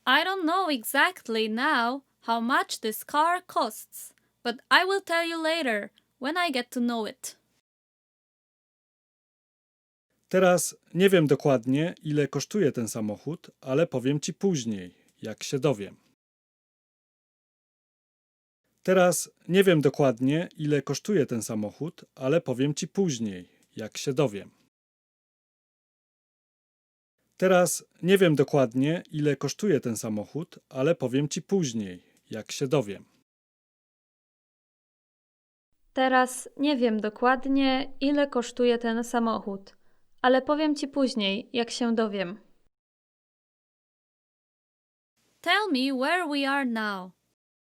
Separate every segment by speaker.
Speaker 1: I don't know exactly now how much this car costs, but I will tell you later when I get to know it.
Speaker 2: Teraz nie wiem dokładnie, ile kosztuje ten samochód, ale powiem ci później, jak się dowiem. Teraz nie wiem dokładnie, ile kosztuje ten samochód, ale powiem ci później, jak się dowiem. Teraz nie wiem dokładnie, ile kosztuje ten samochód, ale powiem ci później, jak się dowiem.
Speaker 1: Teraz nie wiem dokładnie, ile kosztuje ten samochód, ale powiem ci później, jak się dowiem. Tell me where we are now.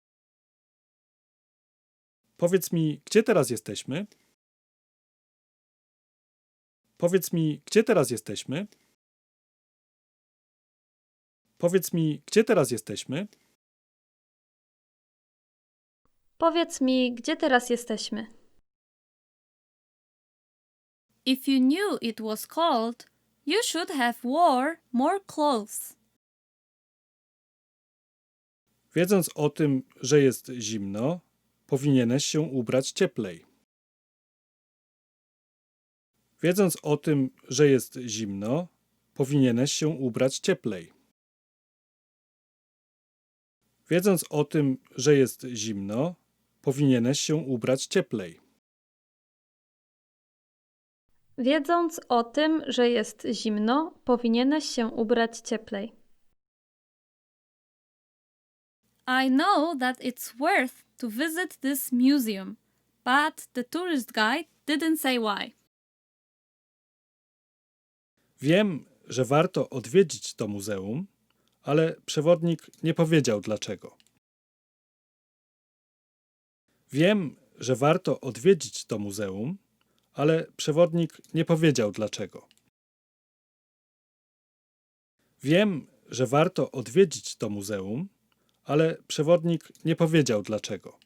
Speaker 2: Powiedz mi, gdzie teraz jesteśmy? Powiedz mi, gdzie teraz jesteśmy? Powiedz mi, gdzie teraz jesteśmy?
Speaker 1: Powiedz mi, gdzie teraz jesteśmy. If you knew it was cold, you should have wore more clothes.
Speaker 2: Wiedząc o tym, że jest zimno, powinieneś się ubrać cieplej. Wiedząc o tym, że jest zimno, powinieneś się ubrać cieplej. Wiedząc o tym, że jest zimno, powinieneś się ubrać cieplej.
Speaker 1: Wiedząc o tym, że jest zimno, powinieneś się ubrać cieplej. I know that it's worth to visit this museum, but the tourist guide didn't say why.
Speaker 2: Wiem, że warto odwiedzić to muzeum, ale przewodnik nie powiedział dlaczego. Wiem, że warto odwiedzić to muzeum, ale przewodnik nie powiedział dlaczego. Wiem, że warto odwiedzić to muzeum, ale przewodnik nie powiedział dlaczego.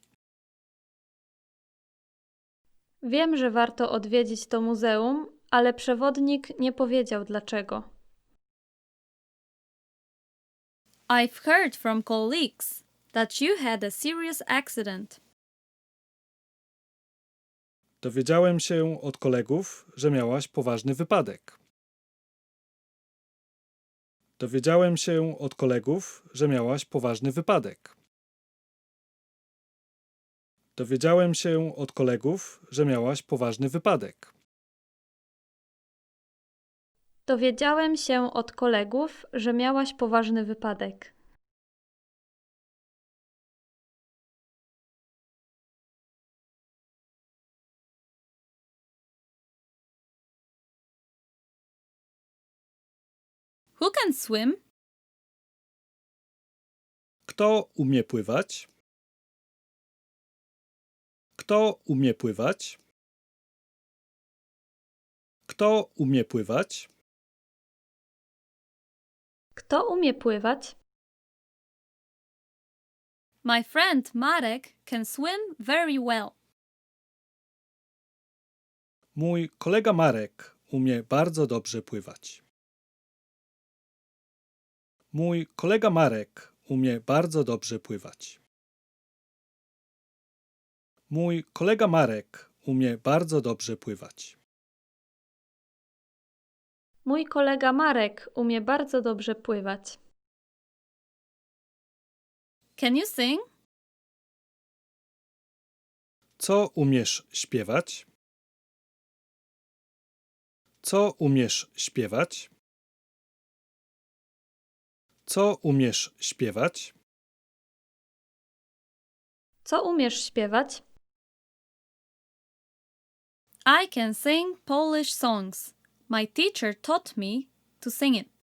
Speaker 1: Wiem, że warto odwiedzić to muzeum, ale przewodnik nie powiedział dlaczego. I've heard from colleagues that you had a serious accident.
Speaker 2: Dowiedziałem się od kolegów, że miałaś poważny wypadek. Dowiedziałem się od kolegów, że miałaś poważny wypadek. Dowiedziałem się od kolegów, że miałaś poważny wypadek.
Speaker 1: Dowiedziałem się od kolegów, że miałaś poważny wypadek. Who can swim?
Speaker 2: Kto umie pływać? Kto umie pływać? Kto umie pływać?
Speaker 1: Kto umie pływać? My friend Marek can swim very well.
Speaker 2: Mój kolega Marek umie bardzo dobrze pływać. Mój kolega Marek umie bardzo dobrze pływać. Mój kolega Marek umie bardzo dobrze pływać.
Speaker 1: Mój kolega Marek umie bardzo dobrze pływać. Can you sing?
Speaker 2: Co umiesz śpiewać? Co umiesz śpiewać? Co umiesz śpiewać?
Speaker 1: Co umiesz śpiewać? I can sing Polish songs. My teacher taught me to sing it.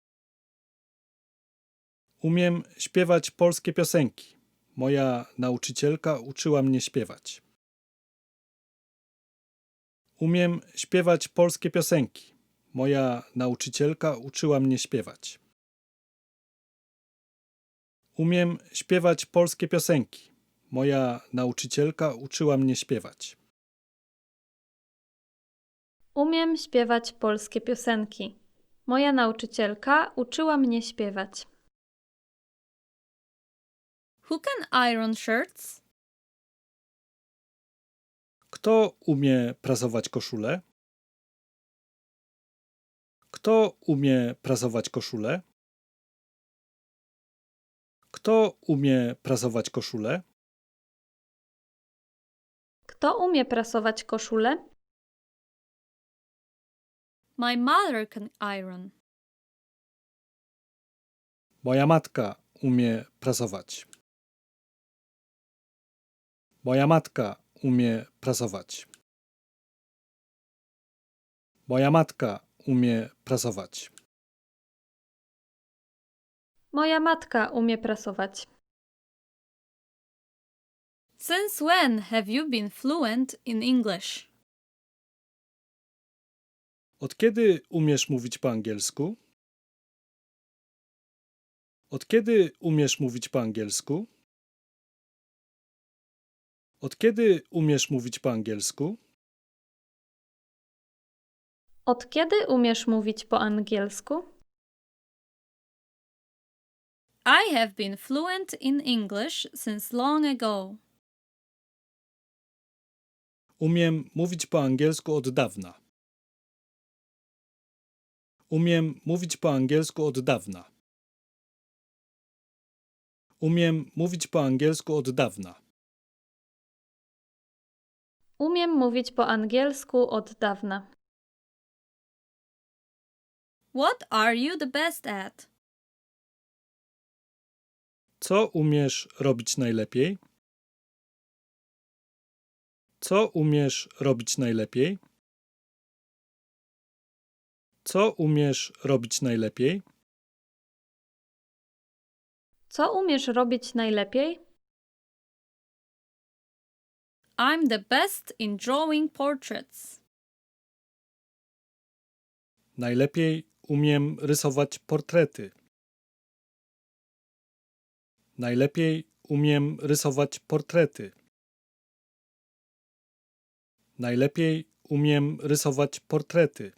Speaker 2: Umiem śpiewać polskie piosenki. Moja nauczycielka uczyła mnie śpiewać. Umiem śpiewać polskie piosenki. Moja nauczycielka uczyła mnie śpiewać. Umiem śpiewać polskie piosenki. Moja nauczycielka uczyła mnie śpiewać.
Speaker 1: Umiem śpiewać polskie piosenki. Moja nauczycielka uczyła mnie śpiewać. Who can iron shirts?
Speaker 2: Kto umie prasować koszulę? Kto umie prasować koszulę? Kto umie prasować koszulę?
Speaker 1: Kto umie prasować koszulę? My mother can iron.
Speaker 2: Moja matka umie prasować. Moja matka umie prasować. Moja matka umie prasować.
Speaker 1: Moja matka umie prasować. Since when have you been fluent in English?
Speaker 2: Od kiedy umiesz mówić po angielsku? Od kiedy umiesz mówić po angielsku? Od kiedy umiesz mówić po angielsku?
Speaker 1: Od kiedy umiesz mówić po angielsku? I have been fluent in English since long ago.
Speaker 2: Umiem mówić po angielsku od dawna. Umiem mówić po angielsku od dawna. Umiem mówić po angielsku od dawna.
Speaker 1: Umiem mówić po angielsku od dawna. What are you the best at?
Speaker 2: Co umiesz robić najlepiej? Co umiesz robić najlepiej? Co umiesz robić najlepiej?
Speaker 1: Co umiesz robić najlepiej? I'm the best in drawing portraits.
Speaker 2: Najlepiej umiem rysować portrety. Najlepiej umiem rysować portrety. Najlepiej umiem rysować portrety.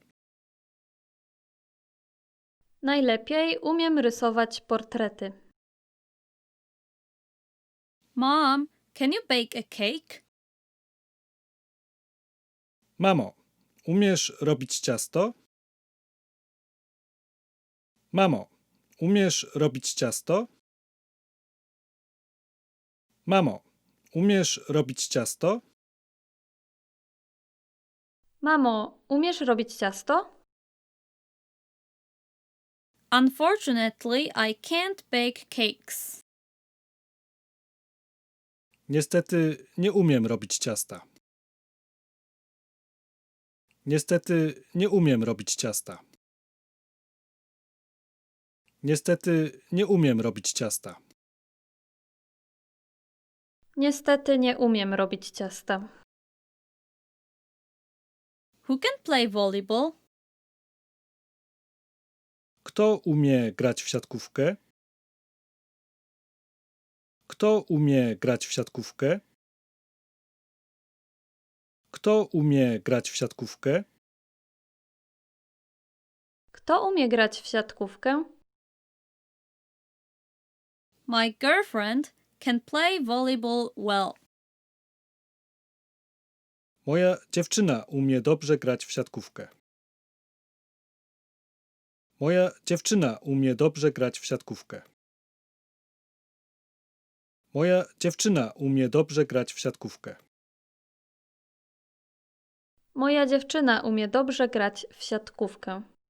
Speaker 1: Najlepiej umiem rysować portrety. Mom, can you bake a cake?
Speaker 2: Mamo, umiesz robić ciasto? Mamo, umiesz robić ciasto? Mamo, umiesz robić ciasto?
Speaker 1: Mamo, umiesz robić ciasto? Unfortunately, I can't bake cakes.
Speaker 2: Niestety nie umiem robić ciasta. Niestety nie umiem robić ciasta. Niestety nie umiem robić ciasta.
Speaker 1: Niestety nie umiem robić ciasta. Who can play volleyball?
Speaker 2: Kto umie grać w siatkówkę? Kto umie grać w siatkówkę? Kto umie grać w siatkówkę?
Speaker 1: Kto umie grać w siatkówkę? My girlfriend can play volleyball well.
Speaker 2: Moja dziewczyna umie dobrze grać w siatkówkę. Moja dziewczyna umie dobrze grać w siatkówkę. Moja dziewczyna umie dobrze grać w siatkówkę.
Speaker 1: Moja dziewczyna umie dobrze grać w siatkówkę.